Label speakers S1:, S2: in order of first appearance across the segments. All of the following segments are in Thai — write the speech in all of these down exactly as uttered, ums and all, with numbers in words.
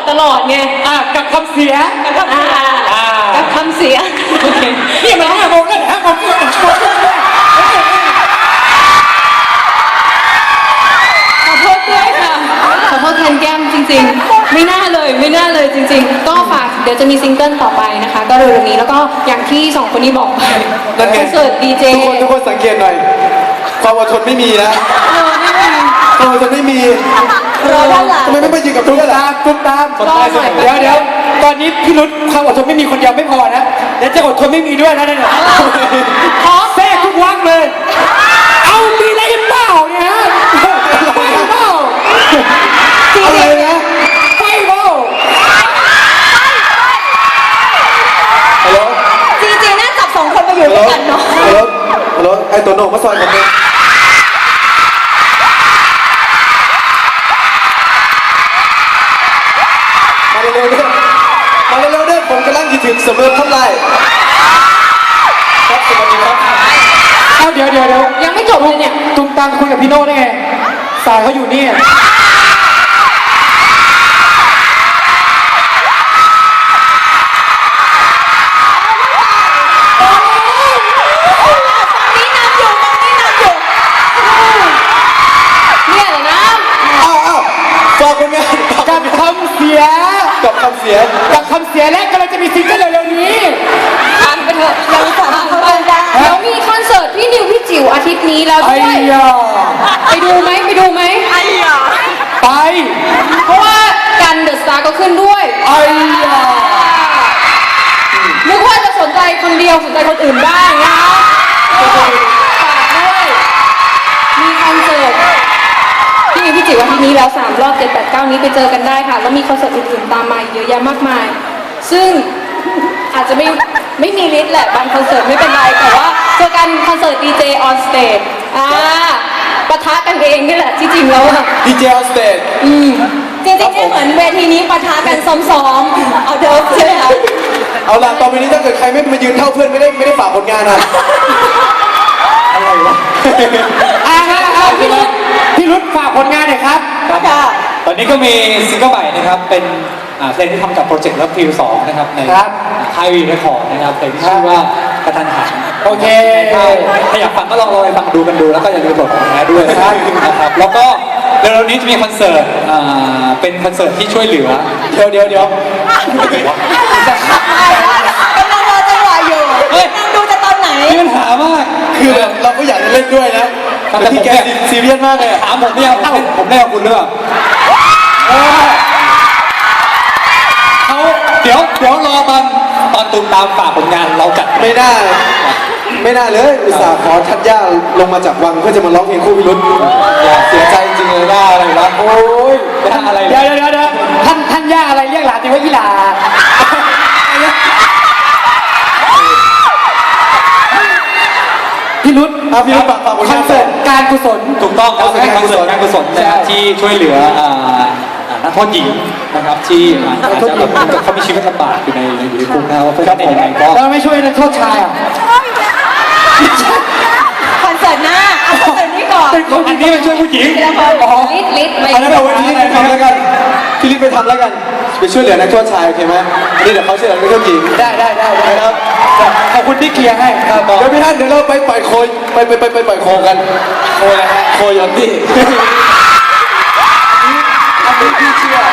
S1: ตลอดไง
S2: อ่ะกับคำเสีย
S1: กับคำเสีย
S2: อ่า
S1: กับคำเสีย
S2: โอเคนี่มันห้าโมงแล้วห้าโมงครึ่ง
S1: ขอโทษด้วยค่ะขอโทษแทนแก้มจริงๆไม่น่าเลยไม่น่าเลยจริงๆก็ฝากเดี๋ยวจะมีซิงเกิลต่อไปนะคะก็เร็วๆนี้แล้วก็อย่างที่สองคนนี้บอกไปคอนเสิร์ตดีเจ
S3: ทุกคนทุกคนสังเกตหน่อยความอดทนไม่มีนะ
S1: เออไม่มี
S3: ความอดทนไม่มี
S1: รอด้านหลัง
S3: ทำไมไม่ไปยืนกับทุกคนล่ะ
S2: ตุ้มตาม
S1: รอหน่อย
S2: เดี๋ยวเดี๋ยวตอนนี้พี่รุธความอดทนไม่มีคนเดียวไม่พอนะเดี๋ยวจะอดทนไม่มีด้วยนะเนี่ยขอแทรกทุกวักเลย เอามีอะไรเปล่าเนี่ยฮะไม่เปล่า
S3: อะไรนะ
S2: ไม่เปล่า
S3: ฮัลโหล
S1: จริงๆน่าจับสองคนมาอยู่
S3: ฮัลโหล
S1: ด้วยกันเนาะ
S3: ฮัลโหลฮัลโหลไอ้ตัวโหน่งมาซอยผมเนี่ยมาเร็วๆเด้อมาเร็วๆเด้อผมกำลังคิดถึงเสมอเท่าไหร่ครับสวัสดีครับ
S2: เอาเดี๋ยวเดี๋ยวเดี๋ยว
S1: ยังไม่จบเลยเนี่ย
S2: ตุ้มตามคุยกับพี่โน่ได้ไงสายเขาอยู่นี่
S1: เนี่ยเหรอนะ
S3: อ้าวอ้าวฝากคนงาน
S2: กับคำเสีย
S3: กับคำเสียง
S2: กับคำเสียและกำลังจะมีซิงเกิลเร็วๆนี้
S1: อ่านไปเถอะยังสามคนได้เดี๋ยวมีคอนเสิร์ตพี่นิวพี่จิ๋วอาทิตย์นี้แล้ว
S2: ไอ้
S1: ด้วย
S2: ยา
S1: ไปดูไหมไปดูไหมไอ้ยา
S2: ไป
S1: เพราะว่ากันเดอะสตาร์ก็ขึ้นด้วย
S2: ไอ้ยา
S1: นึกว่าจะสนใจคนเดียวสนใจคนอื่นบ้างนะฝากด้วยมีคอนเสิร์ตพี่นิวพี่จิ๋วอาทิตย์นี้แล้วสามรอบเจ็ดแปดเก้านี้ไปเจอกันได้ค่ะแล้วมีคอนเสิร์ตอื่นๆตามมาอีกเยอะแยะมากมาย ซึ่งอาจจะไม่ไม่มีลิสต์แหละบางคอนเสิร์ตไม่เป็นไรแต่ว่าเจอกันคอนเสิร์ตดีเจออนสเตจอ่าปะทะกันเองนี่แหละที่จริงแล้วอะ
S3: ดีเจออนสเตจ
S1: อืมจริงๆเนี่ยเหมือนเวทีนี้ปะทะกันซ้อมๆเอาเดิมใช่ไหมคะ
S3: เอาล่ะต่อไปนี้ถ้าเกิดใครไม่มายืนเท่าเพื่อนไม่ได้ไม่ได้ฝากผลงานนะอะไรวะ
S2: อ่าฮะเอาพี่รุธพี่รุธฝากผลงานหน่อยครับ
S1: ค่ะ
S4: ตอนนี้ก็มีซิงเกิลใหม่นะครับเป็นอ่าเพลงที่ทำกับโปรเจกต์รับฟิวสองนะครับใน
S2: ครับ
S4: ค่ายวีเรคคอร์ดนะครับเพลงที่ชื่อว่ากระทันหัน
S2: โอเค
S4: ถ้าถ้าอยากฟังก็ลองลองไปฟังดูกันดูแล้วก็อย่าลืมโหลดของแท้ด้วยนะครับนะครับแล้วก็เร็วๆนี้จะมีคอนเสิร์ตอ่าเป็นคอนเสิร์ตที่ช่วยเหลือ
S3: เดี๋ยวเดี๋ยวเดี๋ยว
S1: กำลังรอจังหวะอยู่
S4: เฮ้ย
S1: ดูจะตอนไหน
S4: มีปัญหามาก
S3: คือแบบเราก็อยากจะเล่นด้วยนะแต่พี่แกซีเรียสมากเลยอะ
S4: ถามผมเนี่ยผมเล่นผมเล่นกับคุณหรือเปล่าเออเขาเดี๋ยวเดี๋ยวรอตอนตอนตูมตามฝากผลงานเราจัด
S3: ไม่น่าไม่น่าเลยอุตส่าห์ขอทัดย่าลงมาจากวังเพื่อจะมาร้องเพลงคู่พิรุธอย่าเสียใจจริงเลยน่าอะไรวะโอ้ย
S4: ไม่ทำอะไร
S2: เดี๋ยวเดี๋ยวเดี๋ยวเดี๋ยวท่านท่านย่าอะไรเรียกหลานตีว่าอีหลา พี่รุธ
S3: อ่ะพี่รุธฝากฝากผล
S2: ค
S3: งา
S2: อน นเสิร์ตการกุศล
S4: ถูกต้องครับเป็นคอนเสิร์ตการกุศลนะครับที่ช่วยเหลืออ่าอ่านักโทษหญิงนะครับที่อาจจะแบบเขามีชีวิตลำบากอยู่ในอยู่ในคุกนะครับว่าเพื่อนเป็นยังไงก็
S2: แล้วไม่ช่วยนักโทษชายอ่ะ
S1: คอนเสิร์ตหน้าเอาคอนเสิร์ตนี้ก่อน
S4: อันนี้เป็นช่วยผู้หญิง
S1: อ๋อลิดลิดไป
S3: อันนั้นเอาไว้ที่รีบไปทำแล้วกันพี่รีบไปทำแล้วกันไปช่วยเหลือนักโทษชายโอเคไหมอันนี้เดี๋ยวเขาช่วยเหลือนักโทษหญิง
S2: ได้ได้ได้ได้
S3: นะครับ
S2: ขอบคุณที่เคลียร์ให้ครับ
S3: เดี๋ยวพี่ท่านเดี๋ยวเราไปปล่อยโคยไปไปไปไปปล่อยโคกันโคอะไรฮะโคยอนดี้อันนี้พี่เชื่อ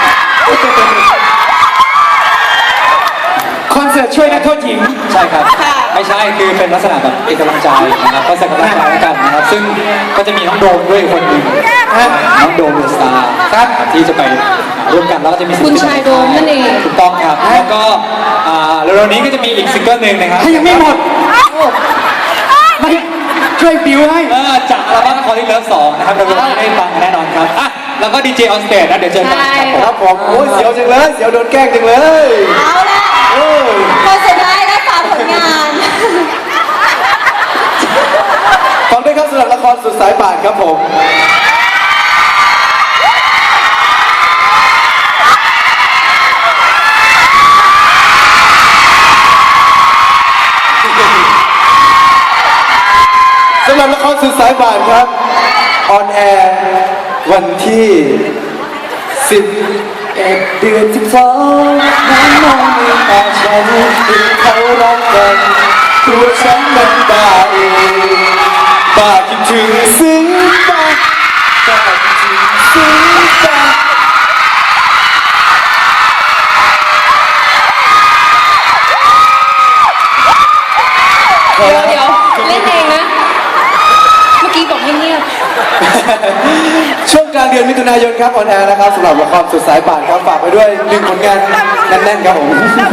S2: คอนเสิร์ตช่วยนักโทษหญิง
S4: ใช่ครับไม่ใช่คือเป็นลักษณะแบบเป็นกำลังใจนะครับก็ใส่กำลังใจให้กันนะครับซึ่งก็จะมีน้องโดมด้วยอีกคนหนึ่งน้องโดมเดอะสตาร์ครับที่จะไปร่วมกันแล้วก็จะมีศิล
S1: คุ
S4: ปิ
S1: ณชายโดมนั่นเอง
S4: ถูกต้องครับแล้วก็อ่าเร็วๆนี้ก็จะมีอีกซิงเกิลหนึ่งนะครับ
S2: ถ้ายังไม่หมดไม่ช่วยบิวให้
S4: เออจากอัลบั้มคอร์ดิเลิฟสองนะครับเร็วๆนี้ได้ฟังกันแน่นอนครับอ่ะแล้วก็ดีเจออนสเตจนะเดี๋ยวเจอกันครับผม
S3: ครับผมโอ้ยเสียวจังเลยเสียวโดนแกล้งจังเลย
S1: เอาละ
S3: เออ
S1: คนสุดท้ายได้ฝากผลงาน
S3: ฟังด้วยครับสำหรับละครสุดสายป่านครับผมสำหรับละครสุดสายป่านครับออนแอร์วันที่สิบเอ็ดเดือนสิบสองน้ำมองในตาฉันเห็นเขารักกันตัวฉันมันบ้าเองบ้าคิดถึงซึ้งบ้าบ้าคิดถึงซึ้งบ้า
S1: เดี๋ยวเดี๋ยวเล่นเองนะ เมื่อกี้บอกให้เงียบ
S3: ช่วงกลางเดือนมิถุนายนครับออนแอร์นะครับสำหรับละครสุดสายป่านครับฝากไปด้วยหนึ่งผลงานแน่นๆครับผม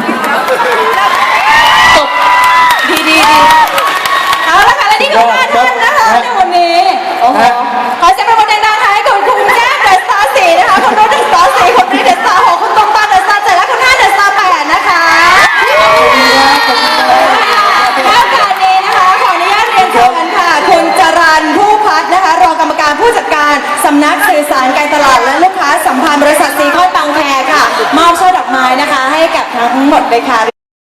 S1: จบดีดีดีเอาละค่ะและนี่คือการทันนะคะในวันนี้โอ้โหขอเสียงปรบมือดังๆค่ะให้กับคุณแก้มเดอะสตาร์สี่นะคะคุณรุ่นเดอะสตาร์สี่คุณรีเดอะสตาร์หกคุณตรงตาเดอะสตาร์เจ็ดและคุณห้าเดอะสตาร์แปดนะคะและโอกาสนี้นะคะขออนุญาตเรียนเชิญค่ะคุณจรัญผู้พัฒน์นะคะรองกรรมการผู้จัดการสำนักสื่อสารการตลาดและลูกค้าสัมพันธ์บริษัทซีคอนบางแคค่ะมอบช่อดอกไม้นะคะให้กับทั้งหมดเลยค่ะ